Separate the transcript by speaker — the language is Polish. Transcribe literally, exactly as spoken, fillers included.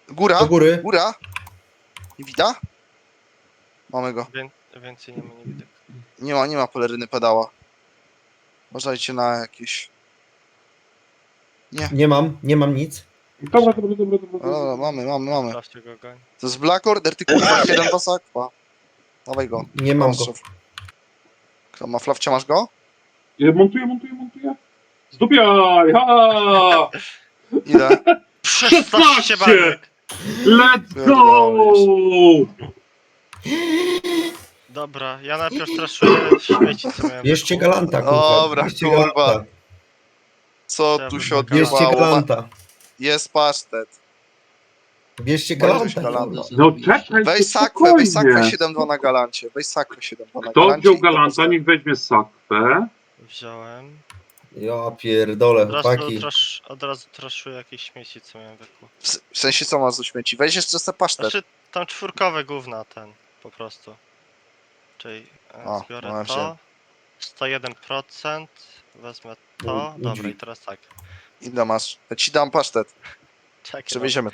Speaker 1: Góra,
Speaker 2: Do góry.
Speaker 1: góra. Nie widać? Mamy go.
Speaker 3: Wię więcej nie ma nie widzę.
Speaker 1: Nie ma, nie ma peleryny pedała. Uważajcie na jakieś... Nie.
Speaker 2: Nie mam, nie mam nic.
Speaker 4: Dobra, dobra, dobra, dobra.
Speaker 1: O, dobra, mamy, mamy, mamy.
Speaker 3: Sprawdźcie go, goń.
Speaker 1: To jest Black Order, ty kurwa, siedem do sakwa. Dawaj go.
Speaker 2: Nie mam go.
Speaker 1: Kto ma flawcia, masz go?
Speaker 4: Ja montuję, montuję, montuję. Zdupiaj! Ha!
Speaker 1: Ile?
Speaker 3: szesnaście baniek!
Speaker 4: Let's go!
Speaker 3: Dobra, ja najpierw traszuję śmieci, co miałem.
Speaker 2: Bierzcie
Speaker 3: wokół.
Speaker 2: galanta, kurwa.
Speaker 1: Dobra,
Speaker 2: Bierzcie
Speaker 1: kurwa.
Speaker 2: galanta.
Speaker 1: Co
Speaker 3: Ja
Speaker 1: tu
Speaker 3: bym
Speaker 1: się
Speaker 3: go
Speaker 2: Bierzcie
Speaker 1: odbywało?
Speaker 2: galanta.
Speaker 1: Jest pasztet.
Speaker 2: Bierzcie
Speaker 1: Możesz
Speaker 2: galanta.
Speaker 1: galanta.
Speaker 2: kurwa.
Speaker 4: No czekaj,
Speaker 1: Weź sakwę,
Speaker 4: spokojnie.
Speaker 1: weź sakwę siedem dwa na galancie. Weź sakwę siedem dwa na
Speaker 4: Kto
Speaker 1: galancie.
Speaker 4: wziął
Speaker 1: i to
Speaker 4: galanta,
Speaker 1: postaw.
Speaker 4: niech weźmie sakwę.
Speaker 3: Wziąłem.
Speaker 2: Ja pierdolę,
Speaker 3: Od razu,
Speaker 2: chłopaki.
Speaker 3: trasz, od razu traszuję jakieś śmieci, co miałem wokół.
Speaker 1: W s- W sensie co masz do śmieci? Weź jeszcze se pasztet.
Speaker 3: Znaczy, tam czwórkowe gówna ten, po prostu. Czyli e,
Speaker 1: O,
Speaker 3: zbiorę
Speaker 1: no ja
Speaker 3: to.
Speaker 1: wziąłem.
Speaker 3: sto jeden procent. Wezmę to.
Speaker 2: No,
Speaker 3: Dobra,
Speaker 2: drzwi.
Speaker 3: i teraz tak.
Speaker 1: Ile masz? Ja ci dam pasztet.
Speaker 3: Czekaj,
Speaker 1: Przewieziemy.